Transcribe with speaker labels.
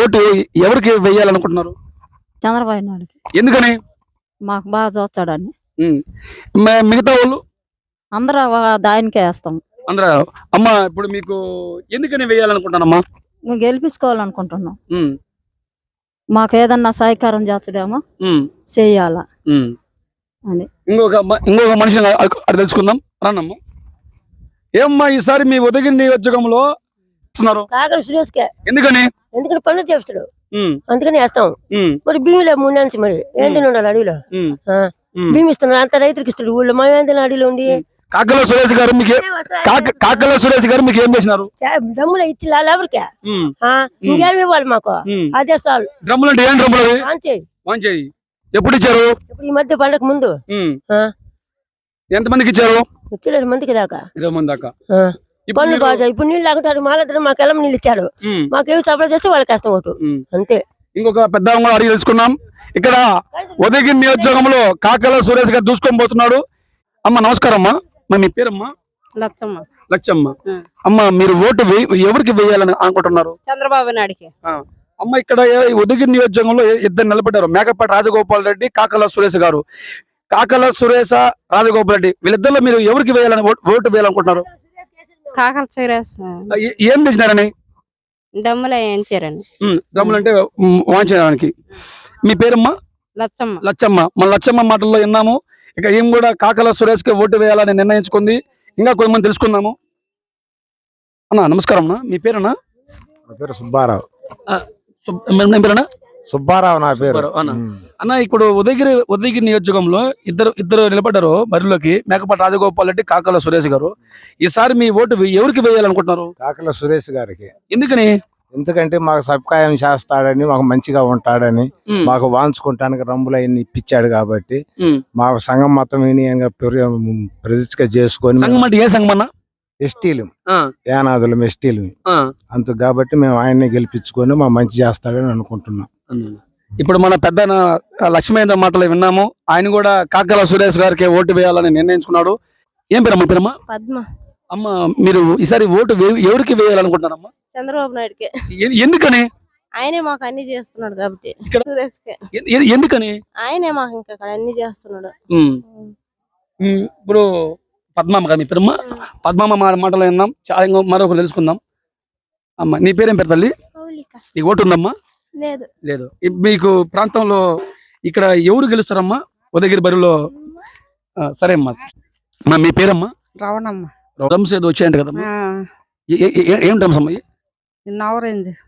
Speaker 1: Vote ఎవరికి వేయాలనుకుంటున్నారు?
Speaker 2: చంద్రబాబు నాయుడుకి.
Speaker 1: ఎందుకని?
Speaker 2: మాకు బాగా చూస్తాడని.
Speaker 1: మిగతా వాళ్ళు
Speaker 2: అందరూ దానికే వేస్తాం.
Speaker 1: అందరూ అమ్మ ఇప్పుడు మీకు ఎందుకని వేయాలనుకుంటానమ్మా?
Speaker 2: మేము గెలిపించుకోవాలనుకుంటున్నాం. మాకు ఏదన్నా సహకారం చేస్తాడేమో చెయ్యాలా అని.
Speaker 1: ఇంకొక మనిషిని అది తెలుసుకుందాం. రానమ్మా. ఏమ్మా ఈసారి మీ ఉదయగిరి నియోజకంలో ఎందుకని?
Speaker 3: ఎందుకంటే పనులు చేస్తాడు అందుకని వేస్తాం. మరి భీమిలో 3 నెలలు మరి ఏంది ఉండాలి అడవిలో భీమి ఇస్తున్నాడు అంత రైతులకు ఇస్తాడు. ఊళ్ళో మా ఏంది అడవిలో ఉండి
Speaker 1: కాకల సురేష్ గారు మీకు ఏం చేసినారు?
Speaker 3: డ్రమ్ములు ఇచ్చి ఎవరికే ఇంకేమి ఇవ్వాలి మాకు అదే చాలు.
Speaker 1: డ్రమ్ములు అంటే ఏం డ్రమ్ములు? ఎప్పుడు ఇచ్చారు?
Speaker 3: ఇప్పుడు ఈ మధ్య పండగ ముందు.
Speaker 1: ఎంతమందికి ఇచ్చారు?
Speaker 3: 20 మందికి దాకా.
Speaker 1: 20 మంది దాకా.
Speaker 3: పనులు బాగా ఇప్పుడు నీళ్ళు లాగుంటారు మాలందరూ మాకు ఎలా నీళ్ళు ఇచ్చాడు. మాకేమి సప్లై చేస్తే వాళ్ళకి కష్టం ఒకటి అంతే.
Speaker 1: ఇంకొక పెద్ద అడిగి తెలుసుకున్నాం. ఇక్కడ ఉదయగిరి నియోజకంలో కాకల సురేష్ గారు దూసుకొని పోతున్నాడు. అమ్మ నమస్కారం అమ్మా. మీ పేరమ్మా? లచ్చమ్మ. అమ్మ మీరు ఓటు ఎవరికి వేయాలని అనుకుంటున్నారు?
Speaker 4: చంద్రబాబు నాయుడుకి.
Speaker 1: అమ్మ ఇక్కడ ఉదయగిరి నియోజకంలో ఇద్దరు నిలబడ్డారు. మేకపాటి రాజగోపాల్ రెడ్డి, కాకల సురేష్ గారు. కాకల సురేష, రాజగోపాల్ రెడ్డి వీళ్ళిద్దరిలో మీరు ఎవరికి వేయాలని ఓటు వేయాలనుకుంటున్నారు?
Speaker 4: కాకల సురేష్.
Speaker 1: ఏం చేసినారని?
Speaker 4: డమ్ములు వేయించారండి.
Speaker 1: డమ్ములు అంటే వాయించడానికి. మీ పేరమ్మా? లచ్చమ్మ. మన లచ్చమ్మ మాటల్లో విన్నాము. ఇక ఏం కూడా కాకల సురేష్ కి ఓటు వేయాలని నిర్ణయించుకుంది. ఇంకా కొంతమంది తెలుసుకుందాము. అన్నా నమస్కారం అన్న. మీ పేరన్నా?
Speaker 5: నా పేరు సుబ్బారావు.
Speaker 1: పేరన్నా?
Speaker 5: సుబ్బారావు నా పేరు.
Speaker 1: అన్న ఇప్పుడు ఉదయగిరి నియోజకంలో ఇద్దరు నిలబడ్డారు బరిలోకి. మేకపాటి రాజగోపాల్ రెడ్డి, కాకల సురేష్ గారు. ఈసారి మీ ఓటు ఎవరికి వేయాలనుకుంటున్నారు?
Speaker 5: కాకల సురేష్ గారికి.
Speaker 1: ఎందుకని?
Speaker 5: ఎందుకంటే మాకు సబ్కాయం చేస్తాడని, మాకు మంచిగా ఉంటాడని, మాకు వాంచుకుంటానికి రంబులు అవన్నీ ఇప్పించాడు కాబట్టి మాకు సంఘం మొత్తం ప్రతిష్ఠ చేసుకొని.
Speaker 1: సంఘం అంటే ఏ సంఘం అన్న?
Speaker 5: ఎస్టీలు, యానాదులం ఎస్టీలు అంత కాబట్టి మేము ఆయన్ని గెలిపించుకొని మా మంచి చేస్తాడని అనుకుంటున్నాం.
Speaker 1: ఇప్పుడు మన పెద్ద లక్ష్మేంద్ర మాటలు విన్నాము. ఆయన కూడా కాకల సురేష్ గారికి ఓటు వేయాలని నిర్ణయించుకున్నాడు. ఏం పేరమ్మా? పేరమ్మా?
Speaker 4: పద్మ.
Speaker 1: అమ్మ మీరు ఈసారి ఓటు ఎవరికి వేయాలనుకుంటున్నారమ్మా?
Speaker 4: చంద్రబాబు నాయుడుకి.
Speaker 1: ఎందుకని?
Speaker 4: ఆయనే మాకు అన్ని చేస్తున్నాడు కాబట్టి.
Speaker 1: ఎందుకని?
Speaker 4: ఆయనే మాకు ఇంకా అన్ని చేస్తున్నాడు.
Speaker 1: ఇప్పుడు పద్మమ్మ గారు మీ పేరమ్మా? పద్మమ్మ మాటలు విన్నాం. చాలా మరొకరు తెలుసుకుందాం. అమ్మ నీ పేరేం పేరు తల్లి? నీకు ఓటు ఉందమ్మా? లేదు. మీకు ప్రాంతంలో ఇక్కడ ఎవరు గెలుస్తారమ్మా ఉదయగిరి బరిలో? సరే అమ్మా. మీ పేరమ్మా?
Speaker 2: రావణమ్మ.
Speaker 1: డ్రమ్స్ ఏదో వచ్చాయంట కదమ్మా. ఏం డ్రమ్స్ అమ్మా?
Speaker 2: నవరేంజ్.